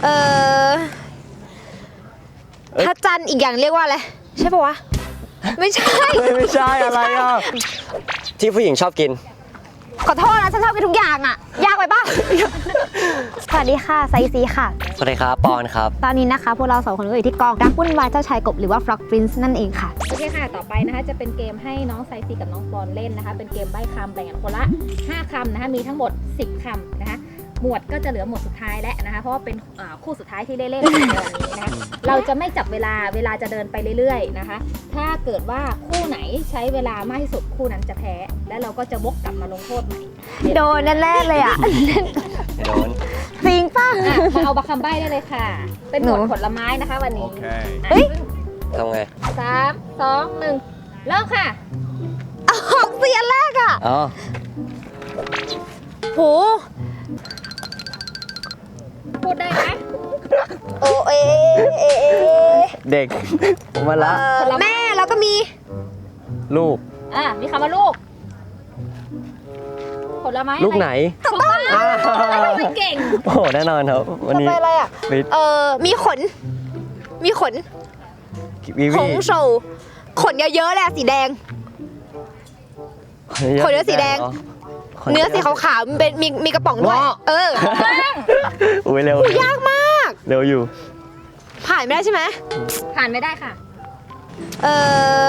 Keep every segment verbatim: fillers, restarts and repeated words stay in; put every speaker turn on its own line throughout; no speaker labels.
เออพระจันทร์อีกอย่างเรียกว่าอะไรใช่ปะวะไม่ใช่
ไม่ใช่อะไรอ่ะที่ผู้หญิงชอบกิน
ขอโทษนะฉันชอบกินทุกอย่างอ่ะยากไปป่ะ สวัสดีค่ะไซซีค่ะ
สวัสดีครับปอนครับ
ตอนนี้นะคะพวกเราสองคนก็อยู่ที่กองรักวุ่นวายเจ้าชายกบหรือว่า Frog Prince นั่นเองค่ะ
โอเคค่ะต่อไปนะคะจะเป็นเกมให้น้องไซซีกับน้องปอนเล่นนะคะเป็นเกมใบ้คำแบ่งกันคนละห้าคำนะคะมีทั้งหมดสิบคำนะคะหมวดก็จะเหลือหมวดสุดท้ายแล้วนะคะเพราะว่าเป็นคู่สุดท้ายที่ได้เล่นในวันนี้นะคะเราจะไม่จับเวลาเวลาจะเดินไปเรื่อยๆนะคะถ้าเกิดว่าคู่ไหนใช้เวลามากที่สุดคู่นั้นจะแพ้และเราก็จะวกกลับมาลงโทษใหม่
โดนแน่ๆเลยอ่ะ
โดน
จริงป่ะ
มาเอาบัคคำใบ้ได้เลยค่ะเป็นหมวดผลไม้นะคะวันนี้
เฮ้ย
ทำไง
สามสองหนึ่งเริ่มค่ะ
ออกเสียแรกอ่ะ
อ๋อ
โห
พูดได้ไหม
โอเอเอ
เด็กมาละ
แม่แล้วก็มี
ลูก
อ่ะมีคำว่าลูกผลไม้
ลูกไหน
ถูกต้อง
ไม่เก่ง
โอ้แน่นอนครับวันนี้
อะไรอ่ะเออมีขนมีขนขนโชว์ขนเยอะๆเลยสีแดงขนเยอะสีแดงเนื้อสีขาวๆมันเป็นมีมีกระป๋องด้วยเออ
อุ้ยเร็วย
ากมาก
เร็วอยู่
ผ่านไม่ได้ใช่ไหม
ผ่านไม่ได้ค่ะ
เออ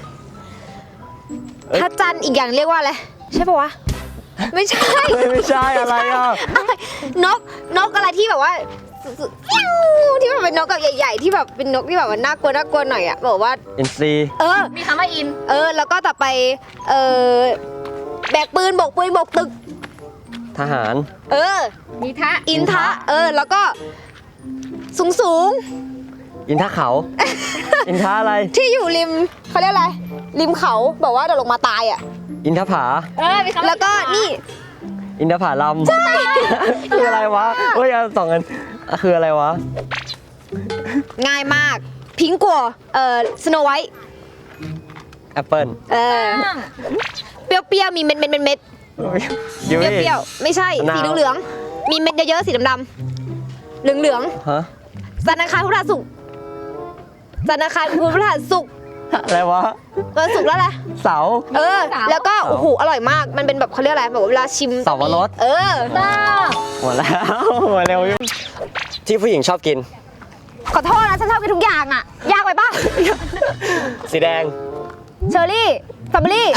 พระจันทร์อีกอย่างเรียกว่าอะไรใช่ปะวะไม่ใช่
ไม่ใช่อะไรอ่ะ
นกนกอะไรที่แบบว่าที่แบบเป็นนกแบบใหญ่ๆที่แบบเป็นนกที่แบบว่าน่ากลัวน่ากลัวหน่อยอ่ะบอกว่า
อินซี
เออ
มีคำว่าอิน
เออแล้วก็ต่อไปเออแบกปืนบกปืนบกตึก
ทหาร
เออ
มีทะ
อินทะเออแล้วก็สูงสูง
อินทะเขาอินทะอะไร
ที่อยู่ริมเขาเรียกอะไรริมเขาบอกว่าเดี๋ยวลงมาตายอ่ะ
อินทผา
เออมีคำ
แล้วก็นี่
อินทผาลัม
ใช่
คืออะไรวะเฮ้ยสองอันคืออะไรวะ
ง่ายมากพิงกัวเอ่อสโนไวท์
แอปเปิ้ล
เออเปรี้ยวๆมีเม็ดเม็ดเม็ดเม็ดเปรี้ยวๆไม่ใช่สีเหลืองๆมีเม็ดเยอะๆสีดำๆเหลือง
ๆฮะ
จันทร์อังคารพุธพฤหัสศุกร์จันทร์อังคารพุธพฤหัสศุกร์
อะไรวะ
วันศุกร์แล้วแหละ
เสา
เออแล้วก็โอ้โหอร่อยมากมันเป็นแบบเขาเรียกอะไรแบบเวลาชิม
เสาวรส
เออ
หมดแล้วหมดเร็วอยู่ที่ผู้หญิงชอบกิน
ขอโทษนะฉันชอบกินทุกอย่างอ่ะยากไปป่ะ
สีแดง
เชอร์รี่สตรอเบอรี่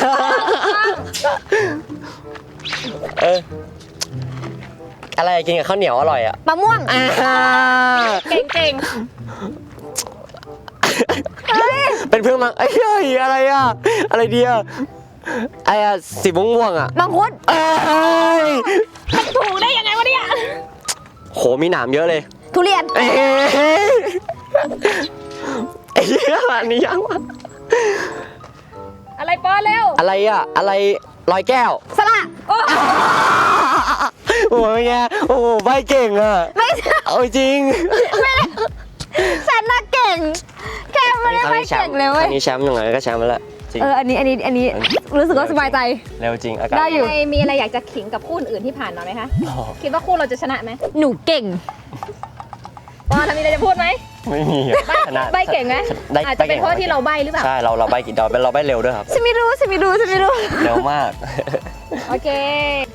เอออะไรกินกับข้าวเหนียวอร่อยอ่ะ
มะม่วง
เก่งเก่ง
เป็นเพื่อนมังไอ้เฮ้ยอะไรอ่ะอะไรเดียไอ้สีม่วงอ่ะ
มังคุด
เอ้ย
ถูกได้ยังไงวะเนี่ย
โหมีหนามเยอะเลย
ทุเรียน
เอ้ยไอ้เหี้ยอันนี้ยังวะ
อะไรป้อนเร็ว
อะไรอ่ะอะไรลอยแก้ว
สละ
โอ้ยไงโอ้ใบเก่งอ่ะ
ไม่
เอาจริง
ฉันน่ะเก่งแค่ไม่ได้ไม่เก่งเลยเว้ย
อันนี้แชมป์ยังไงก็แชมป์มาแล้วจริง
เอออันนี้อันนี้อันนี้รู้สึกว่าสบายใจ
เร็วจริงอากาศ
ได้อยู่มีอะไรอยากจะขิงกับคู่อื่นที่ผ่านมาไหมคะคิดว่าคู่เราจะชนะไหม
หนูเก่ง
ว่าทำมีอะไรจะพูดไหม
ไม่มี
ชนะใบเก่งไหมอาจจะเป็นเพราะที่เราใบหรือเปล่า
ใช่เราเราใบกี่ดอกเป็นเราใบเร็วด้วยครับ
ฉันไม่รู้ฉันไม่รู้ฉันไม่รู้
เร็วมาก
โอเค